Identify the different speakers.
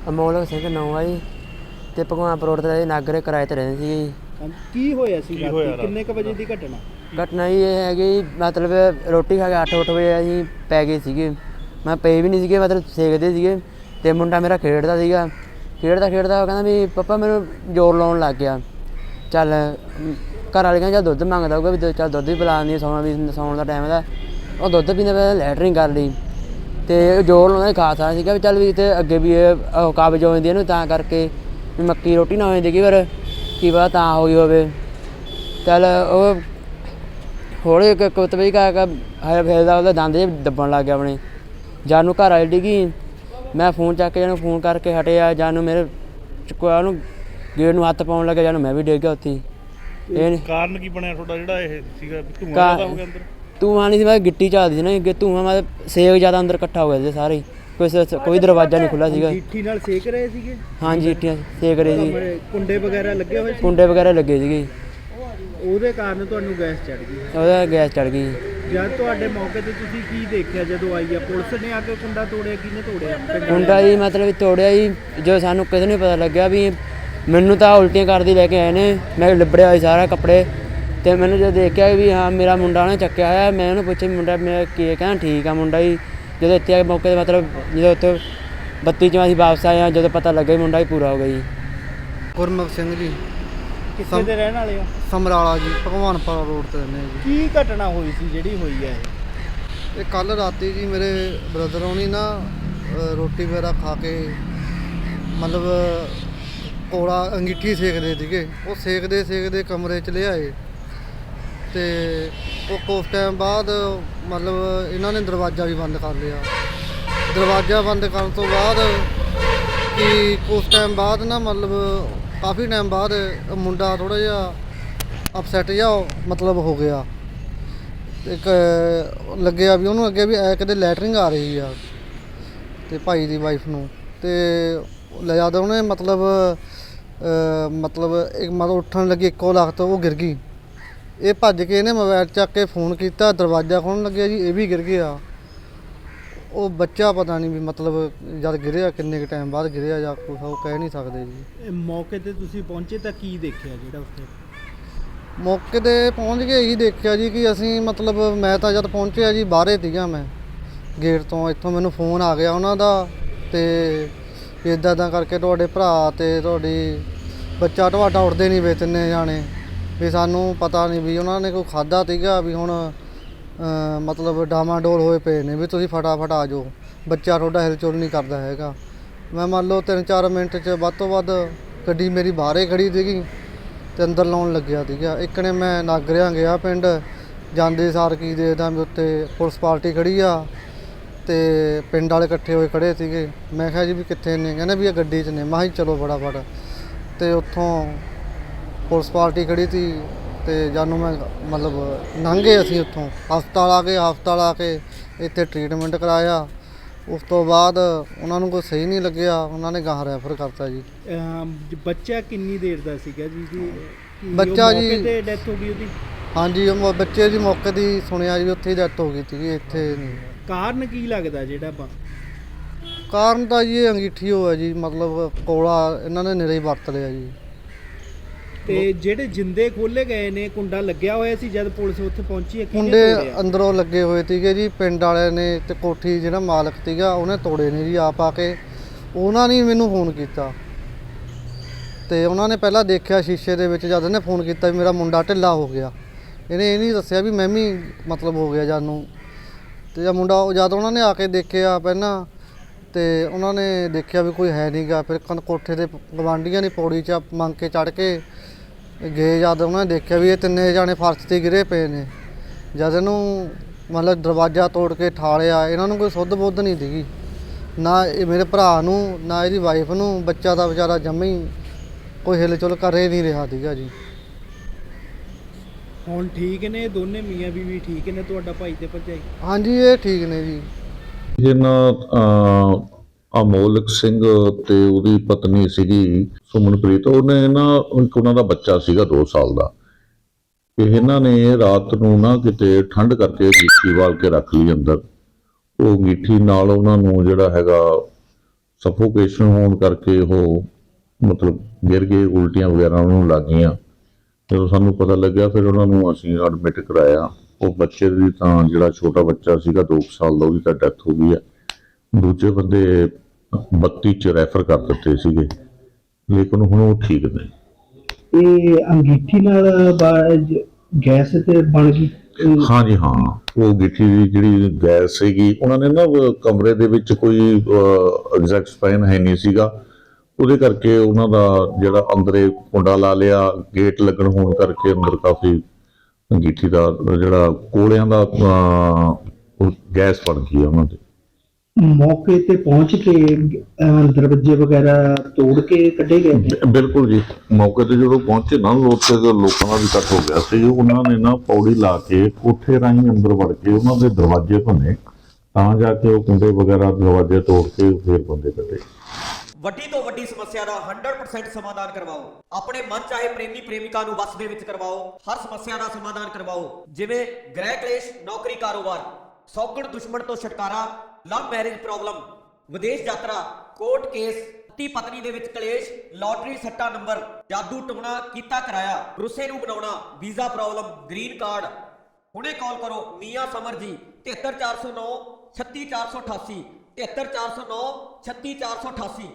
Speaker 1: ਅਮੋਲਕ ਸਿੰਘ ਨਾਂ ਆ ਜੀ ਤੇ ਭਗਵਾਨਪੁਰ ਰੋਡ ਤੇ ਨਾਗਰੇ ਕਿਰਾਏ ਤੇ ਰਹਿੰਦੇ ਸੀਗੇ ਜੀ।
Speaker 2: ਕੀ ਹੋਇਆ ਸੀ ਰਾਤੀ? ਕਿੰਨੇ ਕ ਵਜੇ ਦੀ ਘਟਨਾ?
Speaker 1: ਘਟਨਾ ਜੀ ਇਹ ਹੈਗੀ ਮਤਲਬ ਰੋਟੀ ਖਾ ਕੇ 8 ਵਜੇ ਅਸੀਂ ਪੈ ਗਏ ਸੀਗੇ। ਮੈਂ ਪਏ ਵੀ ਨਹੀਂ ਸੀਗੇ, ਮਤਲਬ ਸੇਕਦੇ ਸੀਗੇ ਤੇ ਮੁੰਡਾ ਮੇਰਾ ਖੇਡਦਾ ਸੀਗਾ। ਖੇਡਦਾ ਉਹ ਕਹਿੰਦਾ ਵੀ ਪਾਪਾ ਮੈਨੂੰ ਜ਼ੋਰ ਲਾਉਣ ਲੱਗ ਗਿਆ। ਚੱਲ ਘਰ ਵਾਲੇ ਕਹਿੰਦੇ ਚੱਲ ਦੁੱਧ ਮੰਗਦਾ ਹੋਊਗਾ ਵੀ ਚੱਲ ਦੁੱਧ ਵੀ ਪਿਲਾ ਦਿੰਦੀ, ਸੌਣ ਦਾ ਟਾਈਮ ਦਾ। ਉਹ ਦੁੱਧ ਪੀਂਦਾ ਪਿਆ ਲੈਟਰਿੰਗ ਕਰ ਲਈ ਤੇ ਜ਼ੋਰ ਲਾਉਂਦਾ ਖਾਸਾ ਸੀਗਾ ਵੀ ਚੱਲ ਵੀ ਤੇ ਅੱਗੇ ਵੀ ਇਹ ਕਾਬਜ਼ ਹੋ ਜਾਂਦੀ ਇਹਨੂੰ, ਤਾਂ ਕਰਕੇ ਵੀ ਮੱਕੀ ਰੋਟੀ ਨਾ ਹੋ ਜਾਂਦੀ ਕਈ ਵਾਰ, ਕੀ ਪਤਾ ਤਾਂ ਹੋ ਗਈ ਹੋਵੇ। ਚੱਲ ਉਹ ਹੌਲੀ ਇੱਕ ਕੁੱਤਬੀ ਕਾ ਫਿਰਦਾ ਉਹਦਾ ਦੰਦ ਜਿਹੇ ਦੱਬਣ ਲੱਗ ਗਿਆ ਆਪਣੇ। ਜਾਨੂੰ ਘਰ ਵਾਲੀ ਡਿੱਗੀ, ਮੈਂ ਫੋਨ ਚੱਕ ਕੇ ਜਾਨੂੰ ਫੋਨ ਕਰਕੇ ਹਟਿਆ, ਜਾਨੂੰ ਮੇਰੇ ਚੁੱਕਿਆ ਉਹਨੂੰ ਗੇਟ ਨੂੰ ਹੱਥ ਪਾਉਣ ਲੱਗਿਆ, ਜਾਨੂੰ ਮੈਂ ਵੀ ਡਿੱਗ ਗਿਆ ਉੱਥੇ। ਇਹ
Speaker 3: ਕਾਰਨ ਕੀ ਬਣਿਆ ਤੁਹਾਡਾ ਜਿਹੜਾ ਇਹ ਸੀਗਾ ਧੂੰਆਂ ਹੋ ਗਿਆ ਅੰਦਰ?
Speaker 1: ਧੂੰਆਂ ਨਹੀਂ ਸੀ, ਮੈਂ ਗਿੱਟੀ ਝਾਲਦੀ ਸੀ ਨਾ ਅੱਗੇ, ਧੂੰਆਂ ਮਤਲਬ ਸੇਕ ਜ਼ਿਆਦਾ ਅੰਦਰ ਇਕੱਠਾ ਹੋ ਗਿਆ ਸੀ ਸਾਰੇ, ਕੋਈ ਦਰਵਾਜ਼ਾ ਨਹੀਂ ਖੁੱਲ੍ਹਾ ਸੀਗਾ।
Speaker 2: ਗਿੱਠੀ ਨਾਲ ਸੇਕ ਰਹੇ ਸੀਗੇ?
Speaker 1: ਹਾਂਜੀ ਗਿੱਟੀਆਂ ਸੇਕ ਰਹੇ ਸੀ।
Speaker 2: ਕੁੰਡੇ ਵਗੈਰਾ ਲੱਗੇ ਹੋਏ ਸੀ?
Speaker 1: ਕੁੰਡੇ ਵਗੈਰਾ ਲੱਗੇ ਸੀਗੇ।
Speaker 2: ਉਹਦੇ ਕਾਰਨ ਤੁਹਾਨੂੰ ਗੈਸ ਚੜ ਗਈ?
Speaker 1: ਉਹਦਾ ਗੈਸ ਚੜ ਗਈ।
Speaker 2: ਜਦ ਤੁਹਾਡੇ ਮੌਕੇ ਤੇ ਤੁਸੀਂ ਕੀ ਦੇਖਿਆ ਜਦੋਂ ਆਈ ਆ ਪੁਲਿਸ ਨੇ ਆ ਕੇ ਕੁੰਡਾ ਤੋੜਿਆ? ਕਿਹਨੇ ਤੋੜਿਆ
Speaker 1: ਕੁੰਡਾ ਜੀ? ਮਤਲਬ ਤੋੜਿਆ ਜੀ ਜੋ ਸਾਨੂੰ ਕਿਸੇ ਨੂੰ ਪਤਾ ਲੱਗਿਆ ਵੀ ਮੈਨੂੰ ਤਾਂ ਉਲਟੀਆਂ ਕਰਦੀ ਲੈ ਕੇ ਆਏ ਨੇ। ਮੈਂ ਲਿਬੜਿਆ ਹੋਇਆ ਸਾਰਾ ਕੱਪੜੇ, ਅਤੇ ਮੈਨੂੰ ਜਦੋਂ ਦੇਖਿਆ ਵੀ ਹਾਂ ਮੇਰਾ ਮੁੰਡਾ ਉਹਨੇ ਚੱਕਿਆ ਹੋਇਆ, ਮੈਂ ਉਹਨੂੰ ਪੁੱਛਿਆ ਮੁੰਡਾ ਮੇਰਾ ਕੀ ਕਹਿੰਦਾ ਠੀਕ ਆ ਮੁੰਡਾ ਜੀ। ਜਦੋਂ ਇੱਥੇ ਆ ਕੇ ਮੌਕੇ 'ਤੇ ਮਤਲਬ ਜਦੋਂ ਉੱਥੇ 32 'ਚੋਂ ਅਸੀਂ ਵਾਪਸ ਆਏ ਹਾਂ, ਜਦੋਂ ਪਤਾ ਲੱਗਾ ਮੁੰਡਾ ਹੀ ਪੂਰਾ ਹੋ ਗਿਆ ਜੀ।
Speaker 4: ਗੁਰਮੁਖ ਸਿੰਘ ਜੀ।
Speaker 2: ਕਿੱਥੇ ਦੇ ਰਹਿਣ ਵਾਲੇ ਹੋ?
Speaker 4: ਸਮਰਾਲਾ ਜੀ, ਭਗਵਾਨਪੁਰ ਰੋਡ ਤੇ ਰਹਿੰਦੇ ਜੀ।
Speaker 2: ਕੀ ਘਟਨਾ ਹੋਈ ਸੀ ਜਿਹੜੀ ਹੋਈ ਹੈ
Speaker 4: ਇਹ ਕੱਲ ਰਾਤੀ ਜੀ ਮੇਰੇ ਬ੍ਰਦਰ ਹੋਣੀ ਨਾ ਰੋਟੀ ਵਗੈਰਾ ਖਾ ਕੇ ਮਤਲਬ ਕੋਲਾ ਅੰਗੀਠੀ ਸੇਕਦੇ ਸੀਗੇ। ਉਹ ਸੇਕਦੇ ਕਮਰੇ 'ਚ ਲਿਆਏ ਅਤੇ ਉਹ ਕੁਛ ਟਾਈਮ ਬਾਅਦ ਮਤਲਬ ਇਹਨਾਂ ਨੇ ਦਰਵਾਜ਼ਾ ਵੀ ਬੰਦ ਕਰ ਲਿਆ। ਦਰਵਾਜ਼ਾ ਬੰਦ ਕਰਨ ਤੋਂ ਬਾਅਦ ਕਿ ਕੁਛ ਟਾਈਮ ਬਾਅਦ ਨਾ ਮਤਲਬ ਕਾਫੀ ਟਾਈਮ ਬਾਅਦ ਮੁੰਡਾ ਥੋੜ੍ਹਾ ਜਿਹਾ ਅਪਸੈਟ ਜਿਹਾ ਮਤਲਬ ਹੋ ਗਿਆ। ਇੱਕ ਲੱਗਿਆ ਵੀ ਉਹਨੂੰ ਅੱਗੇ ਵੀ ਕਦੇ ਲੈਟਰਿੰਗ ਆ ਰਹੀ ਆ ਅਤੇ ਭਾਈ ਦੀ ਵਾਈਫ ਨੂੰ, ਅਤੇ ਲਿਆਦਾ ਉਹਨੇ ਮਤਲਬ ਉੱਠਣ ਲੱਗੀ ਇੱਕੋ ਲਖਤ ਉਹ ਗਿਰ ਗਈ। ਇਹ ਭੱਜ ਕੇ ਇਹਨੇ ਮੋਬਾਈਲ ਚੱਕ ਕੇ ਫੋਨ ਕੀਤਾ, ਦਰਵਾਜ਼ਾ ਖੋਲ੍ਹਣ ਲੱਗਿਆ ਜੀ, ਇਹ ਵੀ ਗਿਰ ਗਿਆ। ਉਹ ਬੱਚਾ ਪਤਾ ਨਹੀਂ ਵੀ ਮਤਲਬ ਜਦ ਗਿਰਿਆ ਕਿੰਨੇ ਕੁ ਟਾਈਮ ਬਾਅਦ ਗਿਰਿਆ ਜਾਂ ਕੁਛ ਉਹ ਕਹਿ ਨਹੀਂ ਸਕਦੇ ਜੀ।
Speaker 2: ਮੌਕੇ 'ਤੇ ਤੁਸੀਂ ਪਹੁੰਚੇ ਤਾਂ ਕੀ ਦੇਖਿਆ ਜਿਹੜਾ ਉੱਥੇ?
Speaker 4: ਮੌਕੇ 'ਤੇ ਪਹੁੰਚ ਕੇ ਇਹੀ ਦੇਖਿਆ ਜੀ ਕਿ ਅਸੀਂ ਮਤਲਬ ਮੈਂ ਤਾਂ ਜਦ ਪਹੁੰਚਿਆ ਜੀ ਬਾਹਰੇ ਸੀਗਾ ਮੈਂ ਗੇਟ ਤੋਂ, ਇੱਥੋਂ ਮੈਨੂੰ ਫੋਨ ਆ ਗਿਆ ਉਹਨਾਂ ਦਾ ਅਤੇ ਇੱਦਾਂ ਕਰਕੇ ਤੁਹਾਡੇ ਭਰਾ ਅਤੇ ਤੁਹਾਡੀ ਬੱਚਾ ਤੁਹਾਡਾ ਉੱਠਦੇ ਨਹੀਂ ਵੇ ਤਿੰਨੇ ਜਾਣੇ, ਵੀ ਸਾਨੂੰ ਪਤਾ ਨਹੀਂ ਵੀ ਉਹਨਾਂ ਨੇ ਕੋਈ ਖਾਧਾ ਸੀਗਾ ਵੀ ਹੁਣ ਮਤਲਬ ਡਾਮਾਡੋਲ ਹੋਏ ਪਏ ਨੇ ਵੀ ਤੁਸੀਂ ਫਟਾਫਟ ਆ ਜਾਓ, ਬੱਚਾ ਤੁਹਾਡਾ ਹਿਲਚੁਲ ਨਹੀਂ ਕਰਦਾ ਹੈਗਾ। ਮੈਂ ਮੰਨ ਲਓ 3-4 ਮਿੰਟ 'ਚ ਵੱਧ ਤੋਂ ਵੱਧ ਗੱਡੀ ਮੇਰੀ ਬਾਹਰੇ ਖੜੀ ਸੀਗੀ ਅਤੇ ਅੰਦਰ ਲਾਉਣ ਲੱਗਿਆ ਸੀਗਾ। ਇੱਕ ਨੇ ਮੈਂ ਨਾਗਰਿਆਂ ਗਿਆ ਪਿੰਡ, ਜਾਂਦੇ ਸਾਰ ਕੀ ਦੇਖਦਾ ਵੀ ਉੱਤੇ ਪੁਲਿਸ ਪਾਰਟੀ ਖੜੀ ਆ ਅਤੇ ਪਿੰਡ ਵਾਲੇ ਇਕੱਠੇ ਹੋਏ ਖੜ੍ਹੇ ਸੀਗੇ। ਮੈਂ ਕਿਹਾ ਜੀ ਵੀ ਕਿੱਥੇ ਨੇ? ਕਹਿੰਦੇ ਵੀ ਇਹ ਗੱਡੀ 'ਚ ਨੇ। ਮੈਂ ਕਿਹਾ ਚਲੋ ਫਟਾਫਟ, ਅਤੇ ਉੱਥੋਂ ਪੁਲਿਸ ਪਾਰਟੀ ਖੜ੍ਹੀ ਸੀ ਅਤੇ ਜਾਨੂੰ ਮੈਂ ਮਤਲਬ ਲੰਘ ਗਏ ਅਸੀਂ ਉੱਥੋਂ, ਹਸਪਤਾਲ ਆ ਕੇ ਇੱਥੇ ਟਰੀਟਮੈਂਟ ਕਰਾਇਆ। ਉਸ ਤੋਂ ਬਾਅਦ ਉਹਨਾਂ ਨੂੰ ਕੋਈ ਸਹੀ ਨਹੀਂ ਲੱਗਿਆ, ਉਹਨਾਂ ਨੇ ਗਾਹਾਂ ਰੈਫਰ ਕਰਤਾ ਜੀ।
Speaker 2: ਬੱਚਾ ਕਿੰਨੀ ਦੇਰ ਦਾ ਸੀਗਾ ਜੀ?
Speaker 4: ਬੱਚਾ ਜੀ
Speaker 2: ਮੌਕੇ 'ਤੇ ਡੈਥ ਹੋ ਗਈ ਉਹਦੀ?
Speaker 4: ਹਾਂਜੀ, ਉਹ ਬੱਚੇ ਦੀ ਮੌਕੇ ਦੀ ਸੁਣਿਆ ਜੀ ਉੱਥੇ ਹੀ ਡੈਥ ਹੋ ਗਈ ਸੀਗੀ, ਇੱਥੇ ਨਹੀਂ।
Speaker 2: ਕਾਰਨ ਕੀ ਲੱਗਦਾ ਜਿਹੜਾ
Speaker 4: ਕਾਰਨ ਤਾਂ ਜੀ ਇਹ ਅੰਗੀਠੀ ਹੋਇਆ ਜੀ, ਮਤਲਬ ਕੋਲਾ ਇਹਨਾਂ ਨੇ ਨਿਰੇ ਹੀ ਵਰਤ ਲਿਆ ਜੀ।
Speaker 2: ਤੇ ਜਿਹੜੇ ਜਿੰਦੇ ਖੋਲੇ ਗਏ ਨੇ, ਕੁੰਡਾ ਲੱਗਿਆ ਹੋਇਆ ਸੀ ਜਦ ਪੁਲਿਸ ਉੱਥੇ ਪਹੁੰਚੀ ਹੈ?
Speaker 4: ਕੁੰਡੇ ਅੰਦਰੋਂ ਲੱਗੇ ਹੋਏ ਸੀਗੇ ਜੀ, ਪਿੰਡ ਵਾਲਿਆਂ ਨੇ ਅਤੇ ਕੋਠੀ ਜਿਹੜਾ ਮਾਲਕ ਸੀਗਾ ਉਹਨੇ ਤੋੜੇ ਨੇ ਜੀ ਆਪ ਆ ਕੇ। ਉਹਨਾਂ ਨੇ ਮੈਨੂੰ ਫੋਨ ਕੀਤਾ ਅਤੇ ਉਹਨਾਂ ਨੇ ਪਹਿਲਾਂ ਦੇਖਿਆ ਸ਼ੀਸ਼ੇ ਦੇ ਵਿੱਚ, ਜਦ ਇਹਨੇ ਫੋਨ ਕੀਤਾ ਵੀ ਮੇਰਾ ਮੁੰਡਾ ਢਿੱਲਾ ਹੋ ਗਿਆ। ਇਹਨੇ ਇਹ ਨਹੀਂ ਦੱਸਿਆ ਵੀ ਮੈਂ ਵੀ ਮਤਲਬ ਹੋ ਗਿਆ ਜਦ ਨੂੰ, ਅਤੇ ਜਦ ਮੁੰਡਾ ਜਦ ਉਹਨਾਂ ਨੇ ਆ ਕੇ ਦੇਖਿਆ ਪਹਿਲਾਂ ਅਤੇ ਉਹਨਾਂ ਨੇ ਦੇਖਿਆ ਵੀ ਕੋਈ ਹੈ ਨਹੀਂ ਗਾ। ਫਿਰ ਕੋਠੇ 'ਤੇ ਗਵਾਂਢੀਆਂ ਨੇ ਪੌੜੀ 'ਚ ਮੰਗ ਕੇ ਚੜ੍ਹ ਕੇ ਗਏ, ਜਦ ਉਹਨਾਂ ਨੇ ਦੇਖਿਆ ਵੀ ਇਹ ਤਿੰਨੇ ਜਾਣੇ ਫਰਸ਼ 'ਤੇ ਗਿਰੇ ਪਏ ਨੇ। ਜਦ ਇਹਨੂੰ ਮਤਲਬ ਦਰਵਾਜ਼ਾ ਤੋੜ ਕੇ ਠਾਲਿਆ, ਇਹਨਾਂ ਨੂੰ ਕੋਈ ਸੁੱਧ ਬੁੱਧ ਨਹੀਂ ਸੀਗੀ, ਨਾ ਇਹ ਮੇਰੇ ਭਰਾ ਨੂੰ ਨਾ ਇਹਦੀ ਵਾਈਫ ਨੂੰ। ਬੱਚਾ ਦਾ ਵਿਚਾਰਾ ਜੰਮੀ ਕੋਈ ਹਿਲਚੁਲ ਕਰ ਹੀ ਨਹੀਂ ਰਿਹਾ ਸੀਗਾ ਜੀ।
Speaker 2: ਹੁਣ ਠੀਕ ਨੇ ਦੋਨੇ ਮੀਆਂ ਬੀਵੀ? ਠੀਕ ਨੇ ਤੁਹਾਡਾ ਭਾਈ ਤੇ ਭਰਜਾਈ?
Speaker 4: ਹਾਂਜੀ ਇਹ ਠੀਕ ਨੇ ਜੀ।
Speaker 5: ਇਹਨਾਂ ਅਮੋਲਕ ਸਿੰਘ ਤੇ ਉਹਦੀ ਪਤਨੀ ਸੀਗੀ ਸੁਮਨਪ੍ਰੀਤ, ਉਹਨੇ ਨਾ ਇੱਕ ਉਹਨਾਂ ਦਾ ਬੱਚਾ ਸੀਗਾ 2 ਸਾਲ ਦਾ। ਇਹਨਾਂ ਨੇ ਰਾਤ ਨੂੰ ਨਾ ਕਿਤੇ ਠੰਡ ਕਰਕੇ ਅੰਗੀਠੀ ਵਾਲ ਕੇ ਰੱਖ ਲਈ ਅੰਦਰ। ਉਹ ਅੰਗੀਠੀ ਨਾਲ ਉਹਨਾਂ ਨੂੰ ਜਿਹੜਾ ਹੈਗਾ ਸਫੋਕੇਸ਼ਨ ਹੋਣ ਕਰਕੇ ਉਹ ਮਤਲਬ ਗਿਰ ਗਏ, ਉਲਟੀਆਂ ਵਗੈਰਾ ਉਹਨੂੰ ਲੱਗ ਗਈਆਂ। ਜਦੋਂ ਸਾਨੂੰ ਪਤਾ ਲੱਗਿਆ ਫਿਰ ਉਹਨਾਂ ਨੂੰ ਅਸੀਂ ਐਡਮਿਟ ਕਰਾਇਆ। ਉਹ ਬੱਚੇ ਦੀ ਤਾਂ ਜਿਹੜਾ ਛੋਟਾ ਬੱਚਾ ਸੀਗਾ 2 ਸਾਲ ਦਾ, ਉਹਦੀ ਤਾਂ ਡੈਥ ਹੋ ਗਈ ਹੈ। ਦੂਜੇ ਬੰਦੇ 32 ਚ ਰੈਫਰ ਕਰ ਦਿੱਤੇ ਸੀਗੇ, ਲੇਕਿਨ ਹੁਣ ਉਹ ਠੀਕ ਨੇ।
Speaker 2: ਇਹ ਅੰਗੀਠੀ ਨਾਲ ਗੈਸ ਤੇ ਬਣ ਗਈ।
Speaker 5: ਹਾਂਜੀ ਹਾਂ, ਉਹ ਗਿੱਠੀ ਦੀ ਜਿਹੜੀ ਗੈਸ ਸੀਗੀ, ਉਹਨਾਂ ਨੇ ਨਾ ਕਮਰੇ ਦੇ ਵਿੱਚ ਕੋਈ ਐਗਜ਼ੈਕਟ ਫੈਨ ਹੈ ਨਹੀਂ ਸੀਗਾ, ਉਹਦੇ ਕਰਕੇ ਉਹਨਾਂ ਦਾ ਜਿਹੜਾ ਅੰਦਰੇ ਕੁੰਡਾ ਲਾ ਲਿਆ, ਗੇਟ ਲੱਗਣ ਹੋਣ ਕਰਕੇ ਅੰਦਰ ਕਾਫੀ ਅੰਗੀਠੀ ਦਾ ਜਿਹੜਾ ਕੋਲਿਆਂ ਦਾ ਗੈਸ ਬਣ ਗਈ ਉਹਨਾਂ ਦੇ।
Speaker 2: ਮੌਕੇ ਤੇ ਪਹੁੰਚ ਕੇ ਦਰਵਾਜ਼ੇ ਵਗੈਰਾ ਤੋੜ ਕੇ ਕੱਢੇ ਗਏ ਨੇ।
Speaker 5: ਬਿਲਕੁਲ ਜੀ, ਮੌਕੇ ਤੇ ਜਦੋਂ ਪਹੁੰਚੇ ਨਾ ਲੋਕਾਂ ਦਾ ਵੀ ਇਕੱਠ ਹੋ ਗਿਆ ਸੀ। ਉਹਨਾਂ ਨੇ ਨਾ ਪੌੜੀ ਲਾ ਕੇ ਕੋਠੇ ਰਾਹੀਂ ਅੰਦਰ ਵੜ ਕੇ ਉਹਨਾਂ ਦੇ ਦਰਵਾਜ਼ੇ ਭੰਨੇ, ਤਾਂ ਜਾ ਕੇ ਉਹ ਕੁੰਡੇ ਵਗੈਰਾ ਦਰਵਾਜ਼ੇ ਤੋੜ ਕੇ ਫਿਰ ਬੰਦੇ ਕੱਢੇ।
Speaker 6: ਵੱਡੀ ਤੋਂ ਵੱਡੀ ਸਮੱਸਿਆ ਦਾ 100% ਸਮਾਧਾਨ ਕਰਵਾਓ। ਆਪਣੇ ਮਨ ਚਾਹੇ ਪ੍ਰੇਮੀ ਪ੍ਰੇਮਿਕਾ ਨੂੰ ਵਸ ਦੇ ਵਿੱਚ ਕਰਵਾਓ। ਹਰ ਸਮੱਸਿਆ ਦਾ ਸਮਾਧਾਨ ਕਰਵਾਓ, ਜਿਵੇਂ ਗ੍ਰਹਿ ਕਲੇਸ਼, ਨੌਕਰੀ, ਕਾਰੋਬਾਰ, ਸੌਗਣ ਦੁਸ਼ਮਣ ਤੋਂ ਛੁਟਕਾਰਾ, ਲਵ ਮੈਰਿਜ ਪ੍ਰੋਬਲਮ, ਵਿਦੇਸ਼ ਯਾਤਰਾ, ਕੋਰਟ ਕੇਸ, ਪਤੀ ਪਤਨੀ ਦੇ ਵਿੱਚ ਕਲੇਸ਼, ਲਾਟਰੀ ਸੱਟਾ ਨੰਬਰ, ਜਾਦੂ ਟੋਣਾ ਕੀਤਾ ਕਰਾਇਆ, ਰੁੱਸੇ ਨੂੰ ਬਣਾਉਣਾ, ਵੀਜ਼ਾ ਪ੍ਰੋਬਲਮ, ਗ੍ਰੀਨ ਕਾਰਡ। ਹੁਣੇ ਕਾਲ ਕਰੋ ਮੀਆਂ ਸਮਰ ਜੀ 73409 36488 73409 36488।